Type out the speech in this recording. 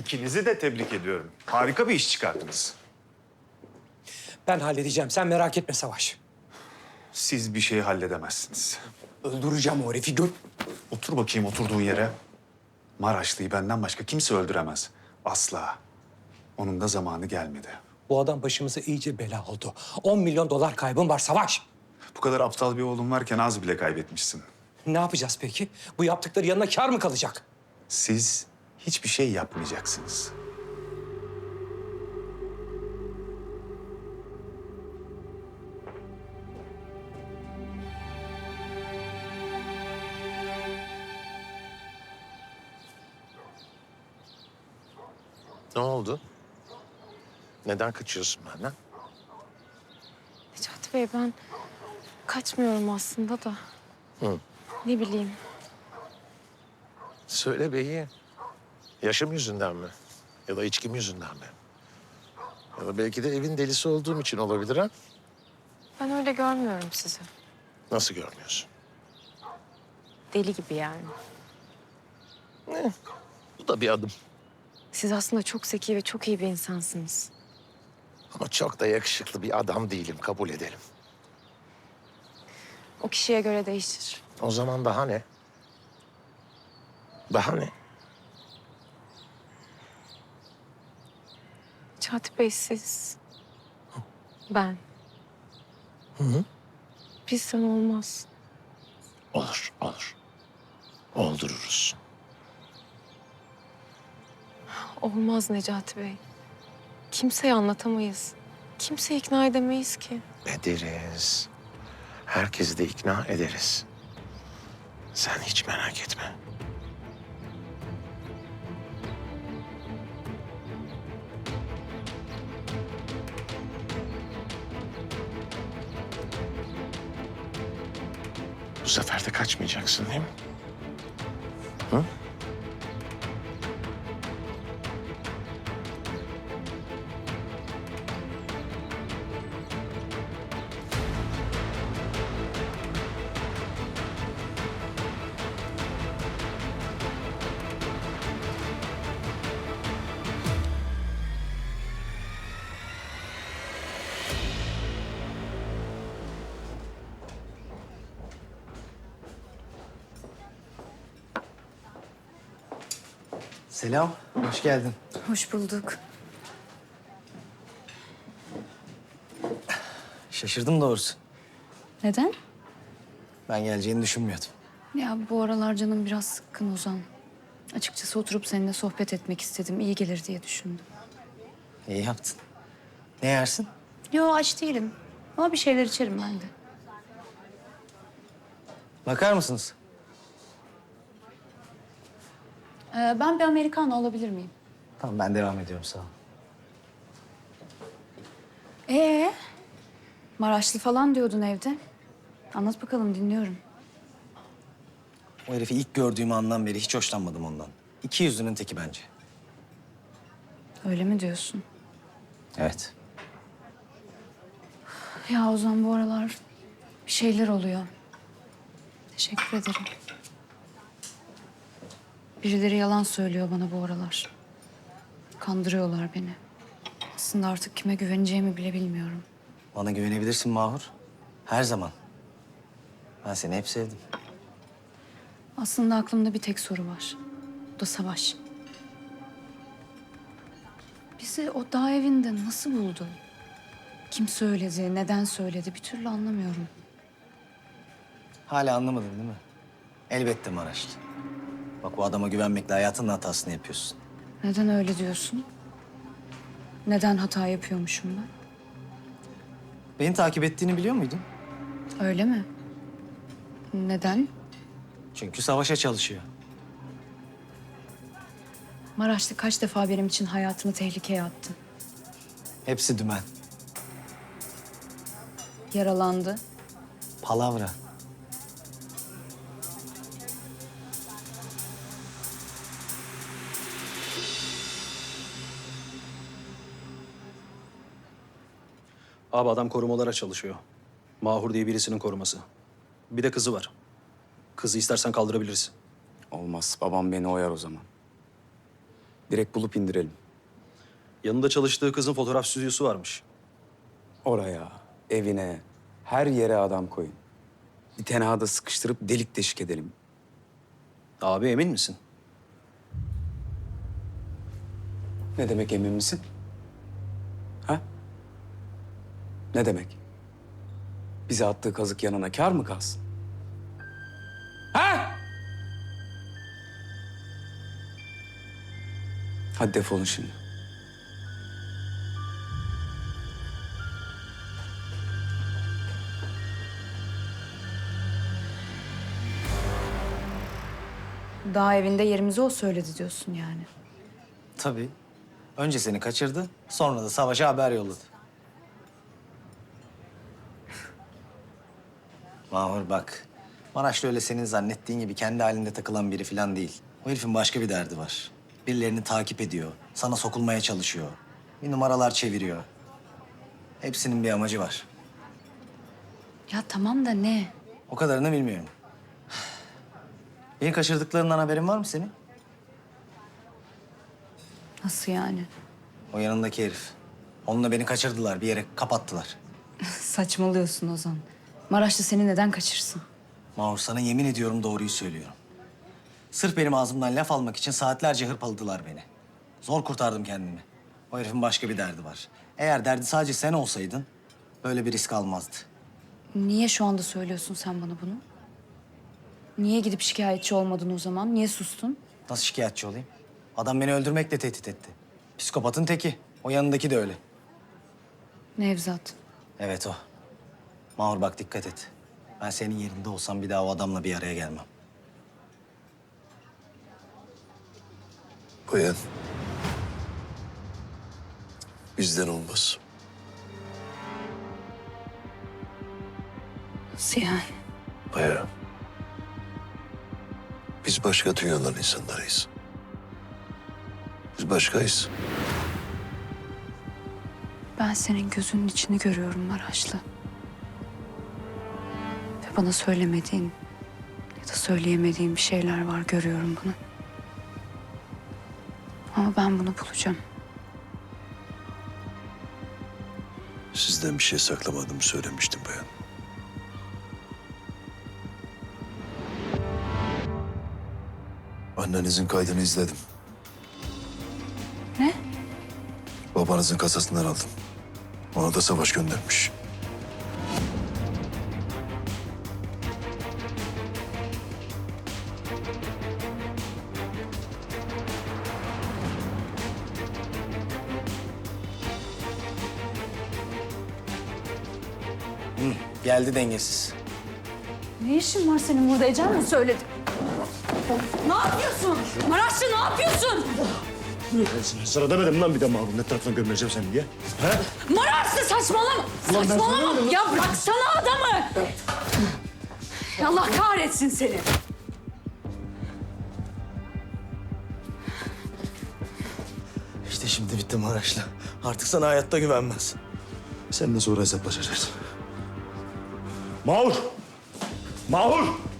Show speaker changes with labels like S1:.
S1: İkinizi de tebrik ediyorum. Harika bir iş çıkardınız.
S2: Ben halledeceğim. Sen merak etme Savaş.
S1: Siz bir şey halledemezsiniz.
S2: Öldüreceğim o herifi. Gör.
S1: Otur bakayım oturduğun yere. Maraşlı'yı benden başka kimse öldüremez. Asla. Onun da zamanı gelmedi.
S2: Bu adam başımıza iyice bela oldu. 10 milyon dolar kaybım var Savaş.
S1: Bu kadar aptal bir oğlun varken az bile kaybetmişsin.
S2: Ne yapacağız peki? Bu yaptıkları yanına kâr mı kalacak?
S1: Siz hiçbir şey yapmayacaksınız.
S3: Ne oldu? Neden kaçıyorsun benden?
S4: Necati Bey ben kaçmıyorum aslında da.
S3: Hı.
S4: Ne bileyim.
S3: Söyle beyi. Yaşım yüzünden mi? Ya da içkim yüzünden mi? Ya da belki de evin delisi olduğum için olabilir ha?
S4: Ben öyle görmüyorum sizi.
S3: Nasıl görmüyorsun?
S4: Deli gibi yani.
S3: Bu da bir adım.
S4: Siz aslında çok zeki ve çok iyi bir insansınız.
S3: Ama çok da yakışıklı bir adam değilim, kabul edelim.
S4: O kişiye göre değişir.
S3: O zaman daha ne? Daha ne?
S4: Necati Bey siz. Ben.
S3: Hı.
S4: Bizden olmaz.
S3: Olur, olur. Oldururuz.
S4: Olmaz Necati Bey. Kimseye anlatamayız. Kimseyi ikna edemeyiz ki.
S3: Ederiz. Herkesi de ikna ederiz. Sen hiç merak etme. Bu sefer de kaçmayacaksın değil mi? Hı?
S5: Selam, hoş geldin.
S4: Hoş bulduk.
S5: Şaşırdım doğrusu.
S6: Neden?
S5: Ben geleceğini düşünmüyordum.
S6: Ya bu aralar canım biraz sıkkın Ozan. Açıkçası oturup seninle sohbet etmek istedim. İyi gelir diye düşündüm.
S5: İyi yaptın. Ne yersin?
S6: Yo aç değilim. Ama bir şeyler içerim ben de.
S5: Bakar mısınız?
S6: Ben bir Americano alabilir miyim?
S5: Tamam, ben devam ediyorum, sağ ol.
S6: Maraşlı falan diyordun evde. Anlat bakalım dinliyorum.
S5: O herifi ilk gördüğüm andan beri hiç hoşlanmadım ondan. İki yüzlünün teki bence.
S6: Öyle mi diyorsun?
S5: Evet.
S6: Ya Ozan bu aralar bir şeyler oluyor. Teşekkür ederim. Birileri yalan söylüyor bana bu aralar. Kandırıyorlar beni. Aslında artık kime güveneceğimi bile bilmiyorum.
S5: Bana güvenebilirsin Mahur. Her zaman. Ben seni hep sevdim.
S6: Aslında aklımda bir tek soru var. O da Savaş. Bizi o dağ evinde nasıl buldu? Kim söyledi, neden söyledi bir türlü anlamıyorum.
S5: Hala anlamadın değil mi? Elbette Maraşlı. Bak, bu adama güvenmekle hayatının hatasını yapıyorsun.
S6: Neden öyle diyorsun? Neden hata yapıyormuşum ben?
S5: Beni takip ettiğini biliyor muydun?
S6: Öyle mi? Neden?
S5: Çünkü savaşa çalışıyor.
S6: Maraşlı kaç defa benim için hayatını tehlikeye attı.
S5: Hepsi dümen.
S6: Yaralandı.
S5: Palavra.
S7: Abi adam korumalara çalışıyor. Mahur diye birisinin koruması. Bir de kızı var. Kızı istersen kaldırabiliriz.
S8: Olmaz. Babam beni oyar o zaman. Direkt bulup indirelim.
S7: Yanında çalıştığı kızın fotoğraf stüdyosu varmış.
S8: Oraya, evine, her yere adam koyun. Bir tenhada sıkıştırıp delik deşik edelim.
S7: Abi emin misin?
S8: Ne demek emin misin? Ha? Ne demek? Bize attığı kazık yanına kâr mı kalsın? Ha? Hadi defolun şimdi.
S6: Daha evinde yerimizi o söyledi diyorsun yani.
S5: Tabii. Önce seni kaçırdı, sonra da Savaş'a haber yolladı. Mahur bak, Maraşlı öyle senin zannettiğin gibi kendi halinde takılan biri falan değil. O herifin başka bir derdi var. Birilerini takip ediyor, sana sokulmaya çalışıyor. Bir numaralar çeviriyor. Hepsinin bir amacı var.
S6: Ya tamam da ne?
S5: O kadarını bilmiyorum. Beni kaçırdıklarından haberin var mı senin?
S6: Nasıl yani?
S5: O yanındaki herif. Onunla beni kaçırdılar, bir yere kapattılar.
S6: Saçmalıyorsun Ozan. Maraşlı seni neden kaçırsın?
S5: Mahur sana yemin ediyorum doğruyu söylüyorum. Sırf benim ağzımdan laf almak için saatlerce hırpaladılar beni. Zor kurtardım kendimi. O herifin başka bir derdi var. Eğer derdi sadece sen olsaydın böyle bir risk almazdı.
S6: Niye şu anda söylüyorsun sen bana bunu? Niye gidip şikayetçi olmadın o zaman? Niye sustun?
S5: Nasıl şikayetçi olayım? Adam beni öldürmekle tehdit etti. Psikopatın teki. O yanındaki de öyle.
S6: Nevzat.
S5: Evet o. Mahur bak dikkat et. Ben senin yerinde olsam bir daha o adamla bir araya gelmem.
S3: Bayan. Bizden olmaz.
S6: Nasıl yani?
S3: Bayan. Biz başka dünyaların insanlarıyız. Biz başkayız.
S6: Ben senin gözünün içini görüyorum Maraşlı. Ve bana söylemediğin ya da söyleyemediğin bir şeyler var, görüyorum bunu. Ama ben bunu bulacağım.
S3: Sizden bir şey saklamadığımı söylemiştim bayan. Annenizin kaydını izledim.
S6: Ne?
S3: Babanızın kasasından aldım. Ona da Savaş göndermiş.
S5: Geldi dengesiz.
S6: Ne işin var senin burada? Ecel mi söyledi? Ne yapıyorsun? Maraşlı ne yapıyorsun?
S9: Sana demedim lan bir de Mahrum ne tarafından gömüleceğim seni diye.
S6: Maraşlı saçmalama! Saçmalama! Ya bıraksana adamı! Allah kahretsin seni!
S5: İşte şimdi bitti Maraşlı. Artık sana hayatta güvenmez.
S9: Seninle sonra hesaplaşacağız. Mahur! Mahur!